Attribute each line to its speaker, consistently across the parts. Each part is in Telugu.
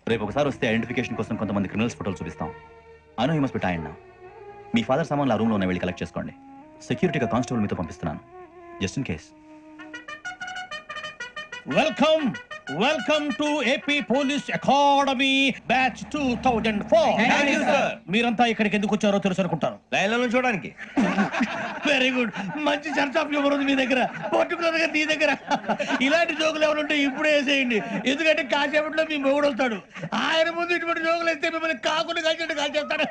Speaker 1: రేపు ఒకసారి వస్తే ఐడెంటిఫికేషన్ కోసం కొంతమంది క్రిమినల్స్ ఫోటోలు చూపిస్తాం. I know you must be tired now. మీ ఫాదర్ సామాన్లు ఆ రూమ్లో ఉన్న వెళ్ళి కలెక్ట్ చేసుకోండి. సెక్యూరిటీగా కానిస్టేబుల్ మీతో పంపిస్తున్నాను, just in case.
Speaker 2: Welcome welcome to AP police academy batch 2004. మీరంతా ఇక్కడికి ఎందుకు వచ్చారో తెలుసు అనుకుంటాను.
Speaker 3: లైన్లో చూడడానికి.
Speaker 2: వెరీ గుడ్, మంచి చర్చ ఆఫ్ హ్యూమర్ ఉంది మీ దగ్గర, పర్టికులర్ గా నీ దగ్గర. ఇలాంటి జోకులు ఎవరుంటే ఇప్పుడే వేసేయండి, ఎందుకంటే కాసేపట్లో మీ మొగుడు వస్తాడు. ఆయన ముందు ఇటువంటి జోకులు వేస్తే మిమ్మల్ని కాకుండా కాల్చేట్టు కాల్చేస్తాడు.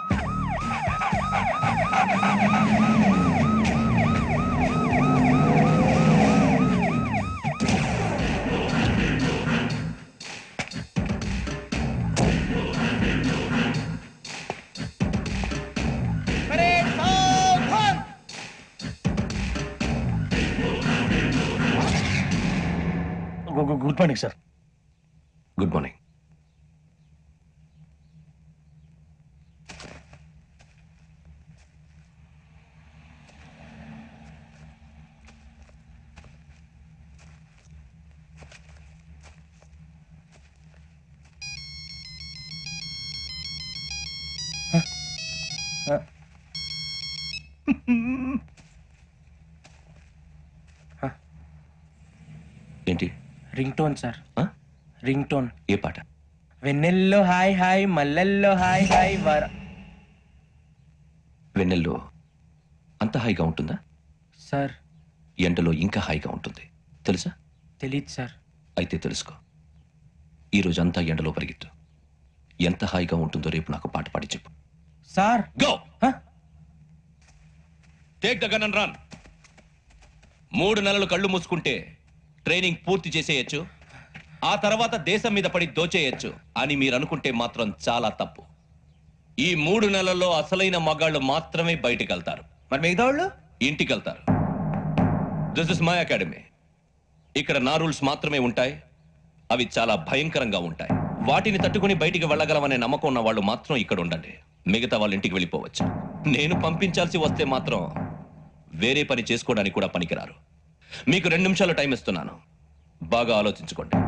Speaker 2: Good morning sir.
Speaker 3: Good morning. ఏంటి?
Speaker 4: Ring tone sir, ring tone.
Speaker 3: ఏ పాట?
Speaker 4: వెన్నెల్లో హాయ్ హాయ్, మల్లెల్లో హాయ్ హాయ్ వర.
Speaker 3: వెన్నెల్లో అంత హాయిగా ఉంటుందా?
Speaker 4: సార్
Speaker 3: ఎండలో ఇంకా హాయిగా ఉంటుంది తెలుసా?
Speaker 4: తెలీదు సార్.
Speaker 3: అయితే తెలుసుకో, ఈరోజు అంతా ఎండలో పరిగెత్తు. ఎంత హాయిగా ఉంటుందో రేపు నాకు పాట పాడి చెప్పు.
Speaker 4: Sir
Speaker 3: go. Take the gun and run. 3 నెలలు కళ్ళు మూసుకుంటే ట్రైనింగ్ పూర్తి చేసేయచ్చు, ఆ తర్వాత దేశం మీద పడి దోచేయచ్చు అని మీరు అనుకుంటే మాత్రం చాలా తప్పు. ఈ 3 నెలల్లో అసలైన మగాళ్ళు మాత్రమే బయటికి వెళ్తారు.
Speaker 4: మరి మిగతా వాళ్ళు
Speaker 3: ఇంటికి వెళ్తారు. This is my academy. ఇక్కడ నా రూల్స్ మాత్రమే ఉంటాయి. అవి చాలా భయంకరంగా ఉంటాయి. వాటిని తట్టుకుని బయటికి వెళ్ళగలమనే నమ్మకం ఉన్న వాళ్ళు మాత్రం ఇక్కడ ఉండండి. మిగతా వాళ్ళు ఇంటికి వెళ్ళిపోవచ్చు. నేను పంపించాల్సి వస్తే మాత్రం వేరే పని చేసుకోవడానికి కూడా పనికిరారు. మీకు 2 నిమిషాలు టైం ఇస్తున్నాను, బాగా ఆలోచించుకోండి.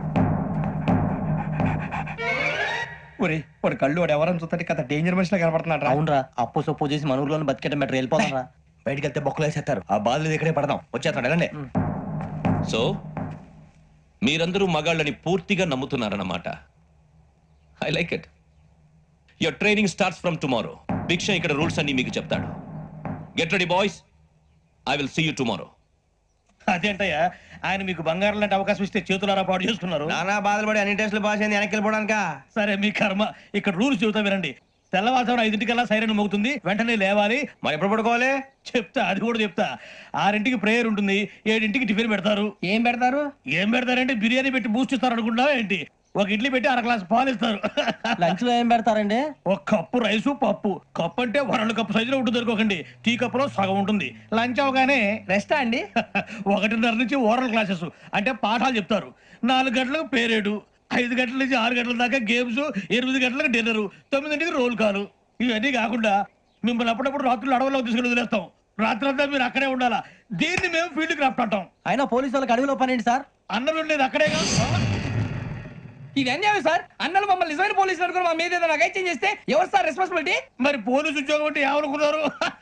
Speaker 4: వాడు కళ్ళు వాడు ఎవరైనా చూస్తే కదా డేంజర్ మనిషిలో కనపడుతున్నాడు.
Speaker 1: అవునరా, అప్పు సొప్పు చేసి మన ఊర్లో బతికేట బెటర్ వెళ్ళిపోతాం రా.
Speaker 4: బయటికి వెళ్తే బొక్కలు వేసేస్తారు. ఆ బాధలు ఇక్కడే పడదాం. వచ్చేస్తాడు వెళ్ళండి.
Speaker 3: సో మీరందరూ మగాళ్ళని పూర్తిగా నమ్ముతున్నారన్నమాట. I like it. Your training starts from tomorrow. Bhiksha ఇక్కడ రూల్స్ అన్ని మీకు చెప్తాడు. Get ready boys, I will see you tomorrow.
Speaker 2: అదేంటయ్యా, ఆయన మీకు బంగారం లాంటి అవకాశం ఇస్తే చేతులారా పాటు చేసుకున్నారు.
Speaker 4: నానా బాధలు పడి అన్ని టెస్టులు పాస్ అయింది, వెనక్కి వెళ్ళిపోవడానికా?
Speaker 2: సరే మీ కర్మ. ఇక్కడ రూల్స్ చెబుతా వినండి. తెల్లవారుజామున 5 సైరన్ మోగుతుంది, వెంటనే లేవాలి.
Speaker 4: మరి ఎప్పుడు పడుకోవాలి?
Speaker 2: చెప్తా, అది కూడా చెప్తా. 6 ప్రేయర్ ఉంటుంది, 7 టిఫిన్ పెడతారు.
Speaker 4: ఏం పెడతారు?
Speaker 2: ఏం పెడతారంటే బిర్యానీ పెట్టి బూస్ట్ ఇస్తారు అనుకుంటున్నావా ఏంటి? ఒక ఇడ్లీ పెట్టి 1 గ్లాస్ పాలు ఇస్తారు.
Speaker 1: లంచ్ లో ఏం పెడతారండి?
Speaker 2: ఒక కప్పు రైసు పప్పు. కప్పు అంటే 1/2 కప్పు సైజులో ఉంటుంది అనుకోకండి. టీ కప్పులో సగం ఉంటుంది. లంచ్ అవగానే
Speaker 4: రెస్టా అండి?
Speaker 2: 1:30 నుంచి ఓరల్ క్లాసెస్ అంటే పాఠాలు చెప్తారు. 4 గంటలకు పేరేడు, 5 గంటల నుంచి 6 గంటల దాకా గేమ్స్, 8 గంటలకు డిన్నర్, 9 రోల్ కాలు. ఇవన్నీ కాకుండా మిమ్మల్ని అప్పుడప్పుడు రాత్రులు అడవుల్లో తీసుకుని వదిలేస్తాం. రాత్రంతా మీరు అక్కడే ఉండాలా. దీన్ని మేము ఫీల్డ్ క్రాఫ్ట్ అంటాం.
Speaker 1: అయినా పోలీసు వాళ్ళకి అడవిలో పని ఏంటి సార్?
Speaker 2: అన్నలు ఉండేది అక్కడే కాదు.
Speaker 4: ఇది అన్యాయం సార్. అన్నలు మమ్మల్ని నిజమైన పోలీసులు అనుకుని మా మీద ఏదైనా చేస్తే ఎవరు సార్ రెస్పాన్సిబిలిటీ?
Speaker 2: మరి పోలీసు ఉద్యోగం అంటే ఏమనుకున్నారు?